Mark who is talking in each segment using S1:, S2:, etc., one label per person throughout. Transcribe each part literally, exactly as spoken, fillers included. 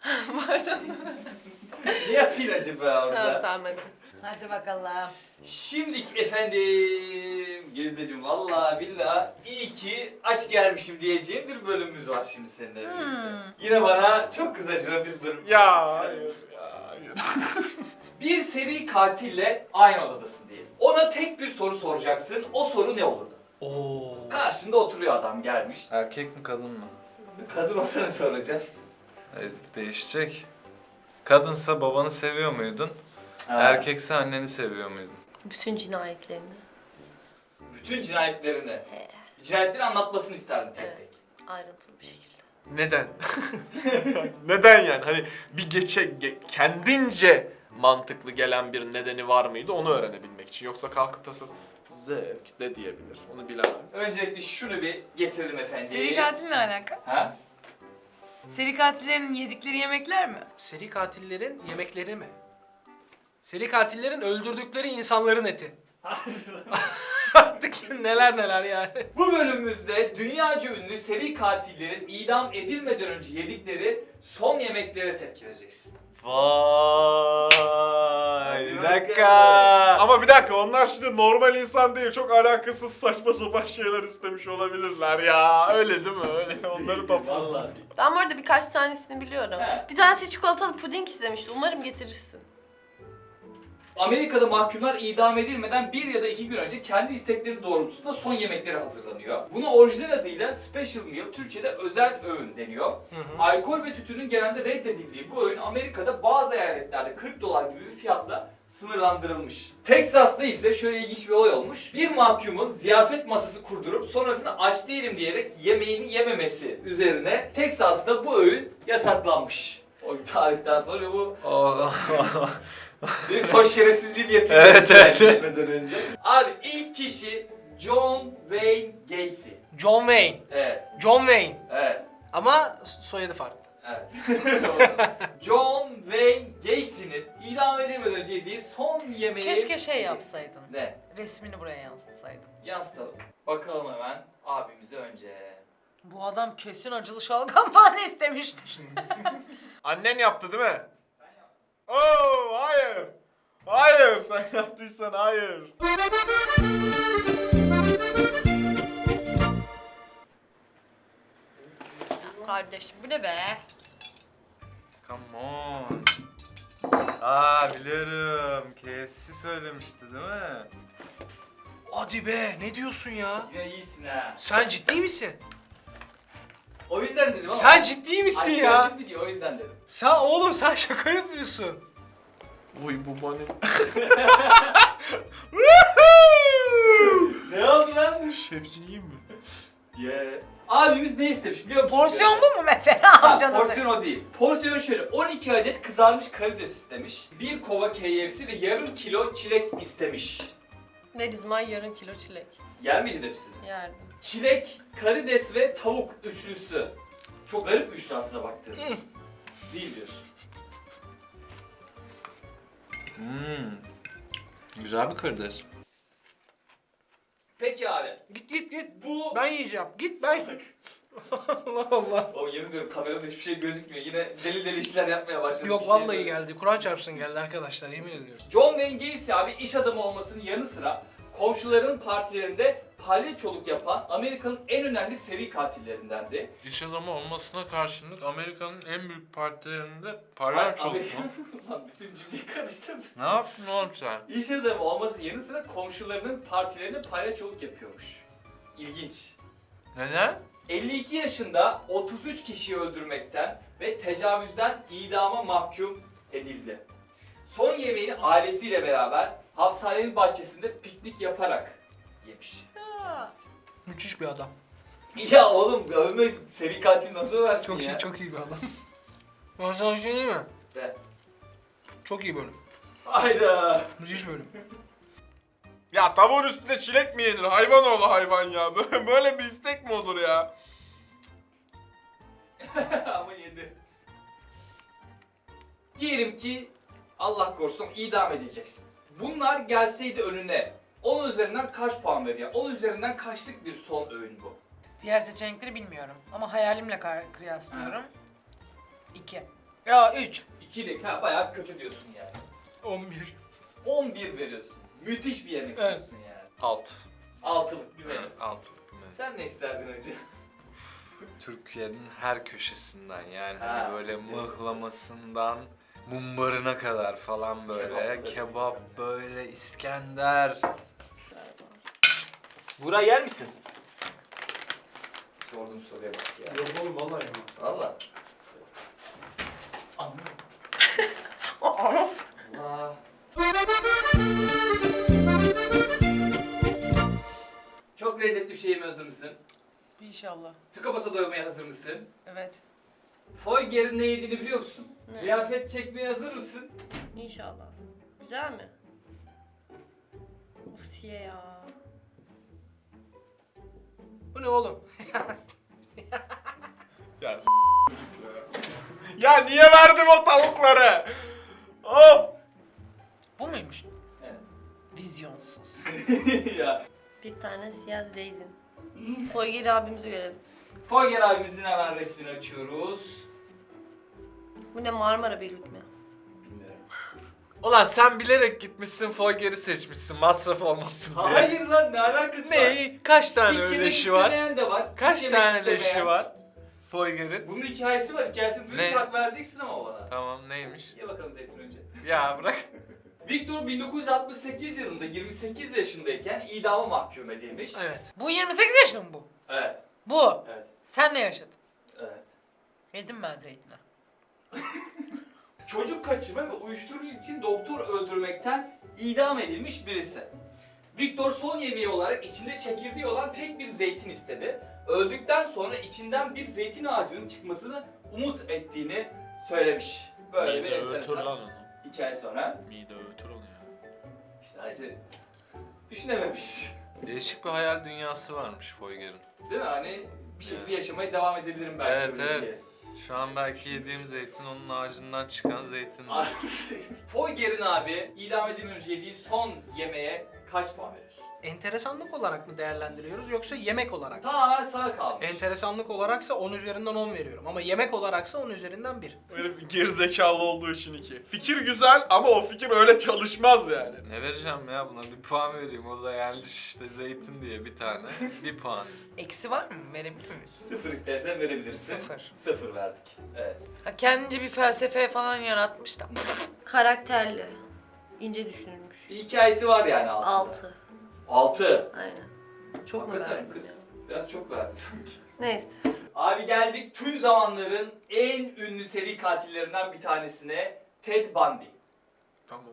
S1: Pardon.
S2: Ne yapayım acaba orada?
S1: Tamam tamam hadi.
S3: Hadi bakalım.
S2: Şimdiki efendim Gezdeciğim vallahi billahi iyi ki aç gelmişim diyeceğim bir bölümümüz var şimdi seninle birlikte.
S3: Hmm.
S2: Yine bana çok kızacına bir bölüm.
S4: Ya hayır ya hayır.
S2: Bir seri katille aynı odadasın diyelim. Ona tek bir soru soracaksın. O soru ne olurdu?
S4: Oo.
S2: Karşında oturuyor adam gelmiş.
S5: Erkek mi kadın mı?
S2: Kadın olsa ne soracaksın?
S5: Evet, değişecek. Kadınsa babanı seviyor muydun?
S2: Ha.
S5: Erkekse anneni seviyor muydun?
S1: Bütün cinayetlerini.
S2: Bütün cinayetlerini.
S1: He.
S2: Cinayetleri anlatmasını isterdim tek
S1: Evet.
S2: tek.
S1: Ayrıntılı bir şekilde.
S4: Neden? Neden yani? Hani bir geçe ge- kendince mantıklı gelen bir nedeni var mıydı onu öğrenebilmek için. Yoksa kalkıp da zevk de diyebilir. Onu bilemem.
S2: Öncelikle şunu bir getirelim efendim.
S3: Seri katil ne alaka?
S2: Ha?
S3: Seri katillerin yedikleri yemekler mi?
S6: Seri katillerin yemekleri mi? Seri katillerin öldürdükleri insanların eti. Artık neler neler yani.
S2: Bu bölümümüzde dünyaca ünlü seri katillerin idam edilmeden önce yedikleri son yemeklere tepki vereceksin.
S4: Vay
S2: bir
S4: bir
S2: dakika.
S4: dakika. Ama bir dakika onlar şimdi normal insan değil. Çok alakasız saçma sapan şeyler istemiş olabilirler ya. Öyle değil mi? Öyle onları topla.
S2: Vallahi.
S1: Ben bu arada birkaç tanesini biliyorum.
S2: He.
S1: Bir tanesi çikolatalı puding istemişti. Umarım getirirsin.
S2: Amerika'da mahkumlar idam edilmeden bir ya da iki gün önce kendi istekleri doğrultusunda son yemekleri hazırlanıyor. Buna orijinal adıyla special meal, Türkçe'de özel öğün deniyor. Alkol ve tütünün genelde reddedildiği bu öğün Amerika'da bazı eyaletlerde kırk dolar gibi bir fiyatla sınırlandırılmış. Texas'ta ise şöyle ilginç bir olay olmuş. Bir mahkumun ziyafet masası kurdurup sonrasında aç değilim diyerek yemeğini yememesi üzerine Texas'ta bu öğün yasaklanmış. O tarihten sonra bu bir son şerefsizliği yapıyor.
S5: Evet, evet.
S2: Gitmeden önce. Abi ilk kişi John Wayne Gacy.
S6: John Wayne.
S2: Evet,
S6: John Wayne.
S2: evet,
S6: Ama soyadı farklı.
S2: evet. John Wayne Gacy'nin idam edilmeden önce yediği son yemeği...
S3: Keşke şey yapsaydın.
S2: Ne?
S3: Resmini buraya yansıtsaydın.
S2: Yansıtalım. Bakalım hemen abimize önce.
S3: Bu adam kesin acılı şalgam falan istemiştir.
S4: Annen yaptı değil mi? Oo hayır. Hayır sen yaptıysan hayır.
S1: Kardeşim bu ne be?
S5: Come on. Aa biliyorum. K F C söylemişti değil mi?
S6: Hadi be, ne diyorsun ya?
S2: Yine iyisin ha.
S6: Sen ciddi misin?
S2: O yüzden dedim ama.
S6: Sen ciddi misin
S2: Aç
S6: ya?
S2: geldin mi diye o yüzden dedim.
S6: Sen oğlum sen şaka yapıyorsun.
S4: Uy bu bana.
S2: Ne oldu lan?
S4: Hepsini yiyeyim mi?
S2: Yeah. Abimiz ne istemiş biliyor musun?
S3: Porsiyon bu mu mesela
S2: Ha,
S3: amcanın?
S2: porsiyon o değil. Porsiyon şöyle on iki adet kızarmış karides istemiş. Bir kova K F C ve yarım kilo çilek istemiş.
S1: Verizmay yarım kilo çilek.
S2: Yer miydin hepsini?
S1: Yerdim.
S2: Çilek, karides ve tavuk üçlüsü. Çok garip bir üçlü aslında baktığında. Değil diyorsun.
S5: Hmm. Güzel bir karides.
S2: Peki abi.
S6: Git git git.
S2: Bu...
S6: Ben yiyeceğim. Git ben. Allah Allah.
S2: O yemin ediyorum kamerada hiçbir şey gözükmüyor. Yine deli deli işler yapmaya başladı.
S6: Yok
S2: Bir şey
S6: vallahi
S2: böyle.
S6: geldi. Kur'an çarpsın geldi arkadaşlar, yemin ediyorum.
S2: John Wayne Gacy abi iş adamı olmasının yanı sıra komşuların partilerinde palyaçoluk yapan Amerika'nın en önemli seri katillerindendi.
S5: İş adamı olmasına karşılık Amerika'nın en büyük partilerinde
S2: Hayır,
S5: palyaçoluk mu?
S2: Amerika- Lan bütün cümleyi karıştırdım.
S5: Ne yaptın oğlum sen?
S2: İş adamı olmasının yanı sıra komşularının partilerinde palyaçoluk yapıyormuş. İlginç.
S5: Neden?
S2: elli iki yaşında otuz üç kişiyi öldürmekten ve tecavüzden idama mahkum edildi. Son yemeğini ailesiyle beraber hapishanenin bahçesinde piknik yaparak yemiş.
S1: Aa,
S6: Müthiş bir adam.
S2: Ya oğlum övme seri katil nasıl översin
S6: Çok
S2: ya?
S6: iyi, çok iyi bir adam. Ben sana bir şey diyeyim mi?
S2: De.
S6: Çok iyi bölüm.
S2: Hayda.
S6: Müthiş bölüm.
S4: Ya tavuğun üstünde çilek mi yenir? Hayvan oğlu hayvan ya. Böyle, böyle bir istek mi olur ya?
S2: Ama yedi. Diyelim ki Allah korusun idam edeceksin. Bunlar gelseydi önüne on üzerinden kaç puan verir ya? on üzerinden kaçlık bir son öğün bu?
S3: Diğer seçenekleri bilmiyorum ama hayalimle kar- kıyaslıyorum. İki. Ya üç.
S2: İkilik ha bayağı kötü diyorsun yani.
S6: on bir.
S2: on bir veriyorsun. Müthiş bir yemek
S6: Evet.
S2: diyorsun yani.
S4: Alt.
S2: Altılık bir menü.
S5: Altılık bir menü.
S2: Sen ne isterdin önce?
S5: Türkiye'nin her köşesinden yani
S2: Ha,
S5: hani böyle
S2: Türkiye'nin.
S5: mıhlamasından mumbarına kadar falan böyle
S2: Kebap.
S5: kebap, böyle İskender.
S2: Buğra yer misin? Sorduğum soruya bak ya.
S6: Yok oğlum vallahi yemem.
S2: Valla. Allah. Çok lezzetli bir şey yemeye hazır mısın?
S3: İnşallah.
S2: Tıka basa doymaya hazır mısın?
S3: Evet.
S2: Foyger'in ne yediğini biliyor musun?
S1: Ne?
S2: Ziyafet çekmeye hazır mısın?
S1: İnşallah. Güzel mi? Of siye ya.
S6: Bu ne oğlum?
S4: Ya s- ya niye verdim o tavukları? Of!
S3: Bu muymuş?
S2: Evet.
S3: Vizyonsuz.
S2: ya.
S1: Bir tane siyah zeydin. Foyger abimizi görelim.
S2: Foyger abimizin hemen resmini açıyoruz.
S1: Bu ne, Marmara Birlik mi?
S2: Bilmiyorum.
S5: Ulan sen bilerek gitmişsin Foyger'i seçmişsin masraf olmasın diye.
S2: Hayır lan, ne alakası var?
S5: Ne? Kaç tane
S2: Hiç
S5: öyle
S2: yemek
S5: leşi var?
S2: istemeyen de var.
S5: Kaç
S2: hiç yemek
S5: tane
S2: istemeyen.
S5: leşi var Foyger'in?
S2: Bunun hikayesi var. Hikayesini duyunca
S5: Ne?
S2: hak vereceksin ama bana.
S5: Tamam neymiş?
S2: Ye bakalım Zeytin önce.
S5: Ya bırak.
S2: Victor bin dokuz yüz altmış sekiz yılında yirmi sekiz yaşındayken idama mahkum edilmiş.
S6: Evet.
S3: Bu yirmi sekiz yaşında mı bu?
S2: Evet.
S3: Bu.
S2: Evet.
S3: Sen ne yaşadın?
S2: Evet.
S3: Yedim ben zeytini.
S2: Çocuk kaçırma ve uyuşturucu için doktor öldürmekten idam edilmiş birisi. Victor son yemeği olarak içinde çekirdeği olan tek bir zeytin istedi. Öldükten sonra içinden bir zeytin ağacının çıkmasını umut ettiğini söylemiş. Böyle bir
S4: Mide öğütür
S2: enteresan
S4: lan onu.
S2: hikaye sonra.
S4: Mide öğütür onu ya.
S2: İşte acı düşünememiş.
S5: Değişik bir hayal dünyası varmış Foyger'in.
S2: Değil mi? Hani bir şekilde yaşamaya devam edebilirim belki.
S5: Evet
S2: öyle
S5: evet. Şu an belki yediğim zeytin onun ağacından çıkan zeytin.
S2: diye. Foyger'in abi idam edilmeden önce yediği son yemeğe kaç puan veriyorsun?
S6: Enteresanlık olarak mı değerlendiriyoruz yoksa yemek olarak mı?
S2: Tamamen sana kalmış.
S6: Enteresanlık olaraksa on üzerinden on veriyorum ama yemek olaraksa on üzerinden bir.
S4: Öyle bir gerizekalı olduğu için iki. Fikir güzel ama o fikir öyle çalışmaz yani.
S5: Ne vereceğim ya buna bir puan vereyim o da yani işte zeytin diye bir tane bir puan.
S3: Eksi var mı? Verebilir miyiz?
S2: Sıfır istersen verebilirsin.
S3: Sıfır.
S2: Sıfır verdik. Evet.
S3: Ha, kendince bir felsefe falan yaratmış da.
S1: Karakterli. İnce düşünülmüş.
S2: Bir hikayesi var yani altında.
S1: Altı.
S2: Altı.
S1: Aynen. Çok mu
S2: Hakikaten
S1: verdim
S2: kız.
S1: ya?
S2: Biraz çok verdi sanki.
S1: Neyse.
S2: Abi geldik tüm zamanların en ünlü seri katillerinden bir tanesine. Ted Bundy.
S4: Tamam.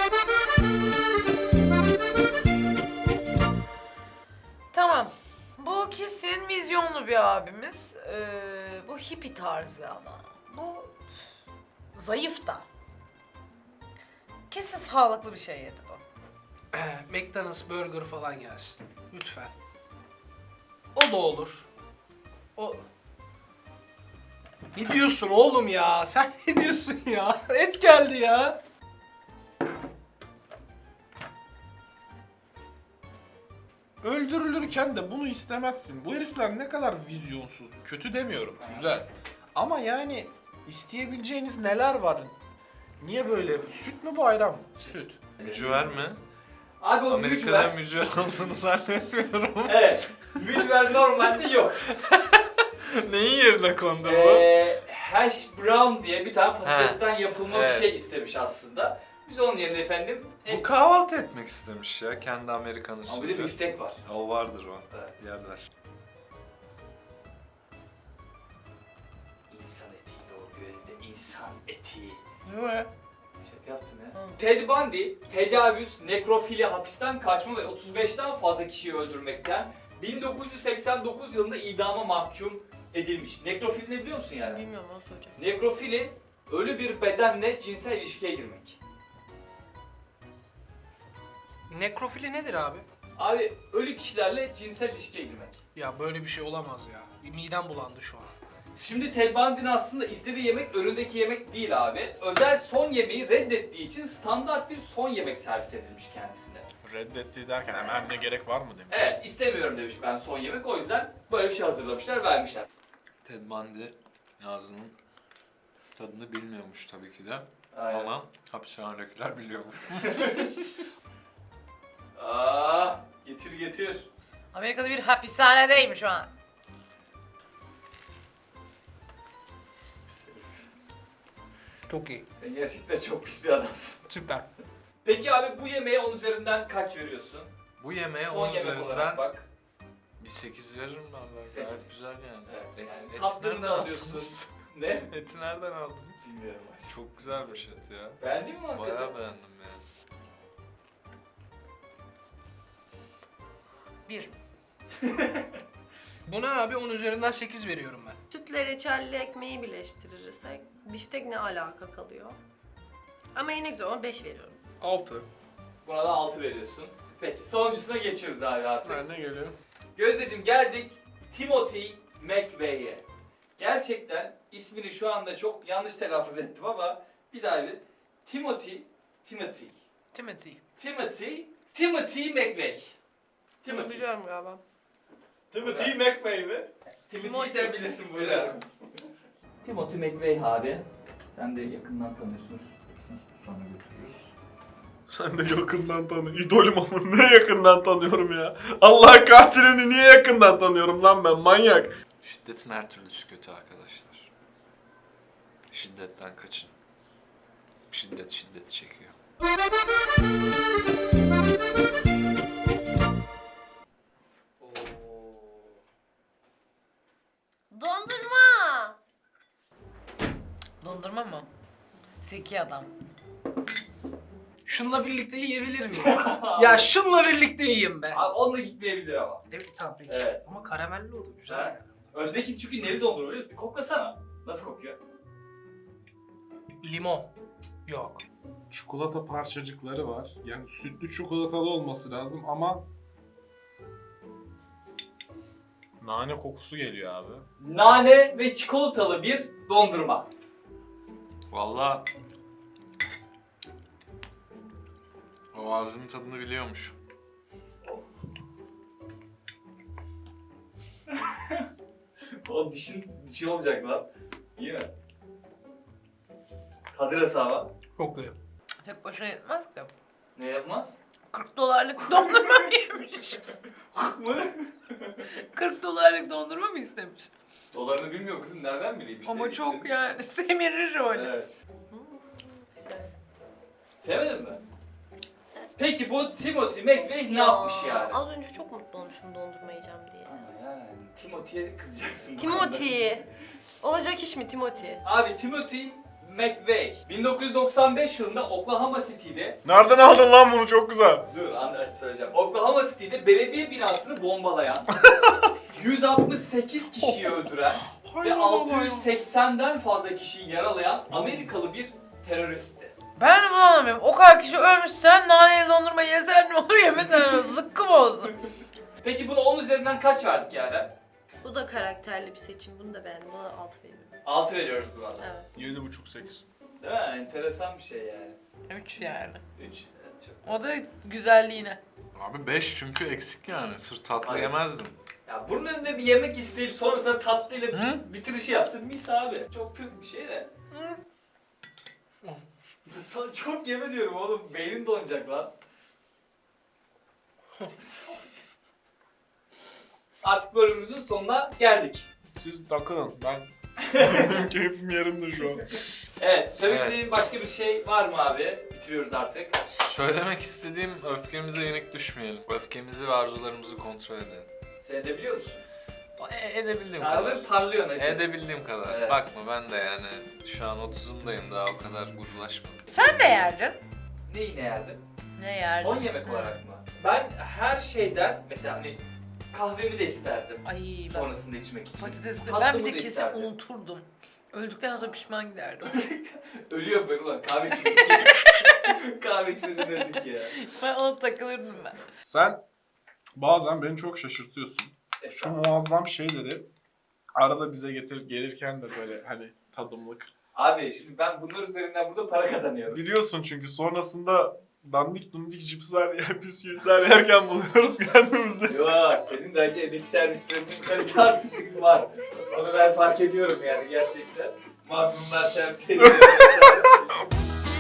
S3: Tamam. Bu kesin vizyonlu bir abimiz. Ee, bu hippie tarzı ama. Bu zayıf da. Kesin sağlıklı bir şey yedi bu.
S6: McDonald's burger falan gelsin. Lütfen. O da olur. O... Ne diyorsun oğlum ya? Sen ne diyorsun ya? Et geldi ya.
S4: Öldürülürken de bunu istemezsin. Bu herifler ne kadar vizyonsuz. Kötü demiyorum. Güzel. Ama yani isteyebileceğiniz neler var? Niye böyle? Süt mü bu ayran mı? Süt.
S5: Mücver mi?
S2: Abi o mücver.
S5: Amerika'da mücver olduğunu zannetmiyorum.
S2: Evet. Mücver normalde yok.
S5: Neyin yerine kondu bu?
S2: Ee, hash brown diye bir tane patatesten yapılma
S5: Evet.
S2: bir şey istemiş aslında. Biz onun yerine efendim...
S5: Bu kahvaltı etmek istemiş ya kendi Amerikan
S2: Ama bir de
S5: usulü.
S2: biftek var.
S5: O vardır o.
S2: Evet.
S5: Yerler.
S2: İnsan etiydi o gözde. İnsan eti.
S3: Ne?
S2: Şaka yaptın ha.
S3: Hı.
S2: Ted Bundy, tecavüz, nekrofili, hapisten kaçma ve otuz beşten fazla kişiyi öldürmekten bin dokuz yüz seksen dokuz yılında idama mahkum edilmiş. Nekrofili ne biliyor musun yani?
S1: Bilmiyorum, onu soracağım.
S2: Nekrofili, ölü bir bedenle cinsel ilişkiye girmek.
S6: Nekrofili nedir abi?
S2: Abi ölü kişilerle cinsel ilişkiye girmek.
S6: Ya böyle bir şey olamaz ya. Midem bulandı şu an.
S2: Şimdi Ted Bundy'nin aslında istediği yemek önündeki yemek değil abi. Özel son yemeği reddettiği için standart bir son yemek servis edilmiş kendisine.
S4: Reddettiği derken hemen ne gerek var mı demiş.
S2: Evet, istemiyorum demiş ben son yemek. O yüzden böyle bir şey hazırlamışlar, vermişler.
S5: Ted Bundy ağzının Tadını bilmiyormuş tabii ki de.
S2: Aynen.
S5: Ama hapishanedekiler biliyormuş.
S2: Aa, getir getir.
S3: Amerika'da bir hapishanedeyim şu an.
S6: Çok iyi.
S2: Sen gerçekten çok pis bir adamsın.
S6: Süper.
S2: Peki abi bu yemeğe on üzerinden kaç veriyorsun?
S5: Bu yemeğe
S2: Son
S5: on
S2: yemek
S5: üzerinden
S2: olarak bak.
S5: bir sekiz veririm ben.
S2: Sekiz.
S5: Gayet güzel yani.
S2: Evet,
S5: Et,
S2: yani
S5: eti
S2: tatlını
S5: nereden
S2: da alıyorsun.
S5: aldınız?
S2: Ne?
S5: Eti nereden aldınız?
S2: Bilmiyorum aşkım.
S5: Çok güzelmiş et ya.
S2: Beğendin mi hakikaten?
S5: Bayağı beğendim yani.
S3: Bir.
S6: Buna abi on üzerinden sekiz veriyorum ben.
S1: Sütle reçelli ekmeği birleştirirsek biftek ne alaka kalıyor? Ama yine güzel ama beş veriyorum.
S4: Altı.
S2: Buna da altı veriyorsun. Peki sonuncusuna geçiyoruz abi artık.
S4: Ben ne geliyor?
S2: Gözdeciğim geldik Timothy McVeigh'e. Gerçekten ismini şu anda çok yanlış telaffuz ettim ama bir daha bir. Timothy, Timothy,
S3: Timothy.
S2: Timothy, Timothy McVeigh.
S1: Bunu
S2: Timothy.
S1: biliyorum galiba.
S4: Timothy McVeigh mi?
S2: Timothy'yi sen bilirsin bu yüzden. Timothy McVeigh abi. Sen de yakından tanıyorsunuz. Sonra götürüyoruz.
S4: Sen de yakından tanı. İdolüm ama ne yakından tanıyorum ya. Allah katilini niye yakından tanıyorum lan ben manyak.
S5: Şiddetin her türlüsü kötü arkadaşlar. Şiddetten kaçın. Şiddet şiddeti çekiyor.
S1: Dondurma!
S3: Dondurma mı? Zeki adam.
S6: Şunla birlikte yiyebilir miyim? Ya şunla birlikte yiyeyim be.
S2: Abi onunla gitmeyebilir ama.
S6: Evet tamam peki.
S2: Evet.
S6: Ama karamelli oldu güzel.
S2: Ha?
S6: yani.
S2: Özbek'in çünkü neli dondurma biliyor musun? Bir koklasana. Nasıl kokuyor?
S6: Limon. Yok.
S7: Çikolata parçacıkları var. Yani sütlü çikolatalı olması lazım ama nane kokusu geliyor abi.
S2: Nane ve çikolatalı bir dondurma.
S5: Vallahi o ağzının tadını biliyormuş.
S2: O dişin dişi olacak lan. İyi mi? Tadı nasıl ama?
S6: Çok güzel.
S3: Tek başına yetmez ki.
S2: Ne yapmaz?
S3: kırk dolarlık dondurma mı yemiş?
S2: Mı?
S3: kırk dolarlık dondurma mı istemiş?
S2: Dolarını bilmiyor kızım. Nereden bileyim işte.
S3: Ama çok
S2: istemiş.
S3: yani semirir öyle.
S2: Evet.
S1: Güzel.
S2: Sevmedin mi? Peki bu Timothy McVeigh ne yapmış yani?
S1: Az önce çok mutlu olmuşum dondurma yiyeceğim diye.
S2: Ama yani Timothy'ye kızacaksın. bu
S1: Timothy. Olacak iş mi Timothy?
S2: konuda. Abi Timothy McVeigh bin dokuz yüz doksan beş yılında Oklahoma City'de
S4: Nereden aldın lan bunu çok güzel.
S2: Dur anlaş söyleyeceğim. Oklahoma City'de belediye binasını bombalayan, yüz altmış sekiz kişiyi öldüren ve altı yüz seksenden fazla kişiyi yaralayan Amerikalı bir teröristti.
S3: Ben de bunu anlamıyorum. O kadar kişi ölmüş, sen naneli dondurma yesen ne olur, yemesen ne olur, zıkkım olsun.
S2: Peki buna on üzerinden kaç verdik yani?
S1: Bu da karakterli bir seçim. Bunu da beğendim. Buna altı veriyorum.
S2: altı veriyoruz buna da.
S1: Evet.
S4: Yedi buçuk sekiz.
S2: Değil mi? Enteresan bir şey yani.
S3: Üç yani.
S2: üç. Evet, çok.
S3: O da güzelliğine.
S5: Abi beş çünkü eksik yani. Sırf tatlı
S2: Aynen.
S5: yemezdim.
S2: Ya bunun önünde bir yemek isteyip sonrasında tatlıyla bir
S5: Hı?
S2: bitirişi yapsın mis abi. Çok Türk bir şey de. Sana çok yeme diyorum oğlum. Beynin donacak lan. Artık bölümümüzün sonuna geldik.
S4: Siz takılın ben benim keyfim yerinde şu an.
S2: Evet, söylemek
S5: Evet.
S2: istediğin başka bir şey var mı abi? Bitiriyoruz artık.
S5: Söylemek istediğim öfkemize yenik düşmeyelim. Öfkemizi ve arzularımızı kontrol edelim.
S2: Sen edebiliyor musun?
S5: E- edebildiğim kadar.
S2: Abi parlıyorsun hacı.
S5: Edebildiğim kadar.
S2: Evet.
S5: Bakma ben de yani şu an otuzumdayım daha o kadar gurulaşmadım.
S3: Sen ne yerdin?
S2: Neyi ne yerdin?
S3: Ne yerdin?
S2: Son yemek olarak mı? Ben her şeyden mesela hani kahvemi de isterdim.
S3: Ay ben
S2: Sonrasında içmek için.
S3: patatesli.
S2: Tatlımı
S3: Ben bir
S2: da
S3: de kesin
S2: isterdim.
S3: unuturdum. Öldükten sonra pişman giderdim.
S2: Ölüyor ben ulan kahve içmedik. Kahve içmeden öldük ya.
S3: Ben ona takılırdım ben.
S7: Sen bazen beni çok şaşırtıyorsun. Şu muazzam şeyleri arada bize getir gelirken de böyle hani tadımlık.
S2: Abi şimdi ben bunlar üzerinden burada para kazanıyorum.
S7: Biliyorsun çünkü sonrasında dandik dundik cipsler yer, bisküvitler yerken buluyoruz kendimizi.
S2: Yo senin de acı emek servislerinin kalite artışı var. Onu ben fark ediyorum yani gerçekten. Magnumlar şemsiyeli.